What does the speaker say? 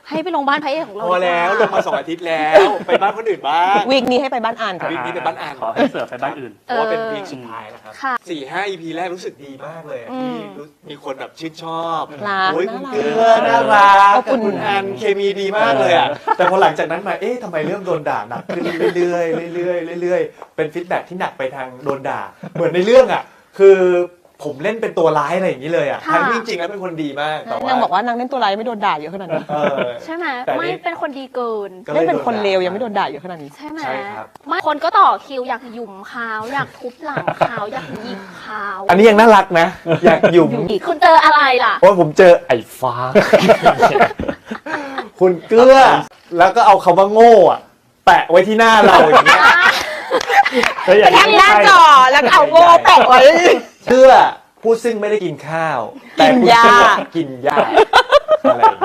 ให้ไปลงบ้านพระเอกของเราพอแล้วลงมา2 อาทิตย์แล้วไปบ้านคนอื่นบ้างวีคนี้ให้ไปบ้านอ่านก่อนวีคนี้ไปบ้านอ่านขอให้เสือไปบ้านอื่นเพราะว่าเป็นวีคสุดท้ายแล้วครับค่ะ 4-5 EP แรกรู้สึกดีมากเลยที่มีคนแบบชื่นชอบรักโอ้ยน่าคุณรักเกลือน่ารักขอบคุณคุณแอนเคมีดีมากเลยอ่ะแต่พอหลังจากนั้นมาทำไมเริ่มโดนด่าหนักขึ้นเรื่อยๆเรื่อยๆเรื่อยๆเป็นฟีดแบ็กที่หนักไปทางโดนด่าเหมือนในเรื่องอ่ะคือผมเล่นเป็นตัวร้ายอะไรอย่างนี้เลยอ่ะทั้งที่จริงๆแล้วเป็นคนดีมากแต่ว่านางบอกว่านางเล่นตัวร้ายไม่โดนด่าเยอะขนาดนี้ใช่ไหมแต่นี่ไม่เป็นคนดีเกินก็ลเล่ยนเป็นคนเลวโดยังไม่โดนด่าเยอะขนาดนี้ใช่ไหมใช่ครับไม่คนก็ต่อคิวอยากหยุ่มเขาอยากทุบหลังเขาอยากหยิกเขาอันนี้ยังน่ารักนะ อยากหยุ่มคุณเจออะไรล่ะเพราะผมเจอไอ้ฟ้า คุณเกลือ แล้วก็เอาคำว่าโง่อะแปะไว้ที่หน้าเราอย่างเงี้ยไปแคปหน้าจอแล้วก็เอาโง่แปะไว้เกลือผู้ซึ่งไม่ได้กินข้าว แต่คุณเกลือกินหญ้าอะไรอย่างเงี้ย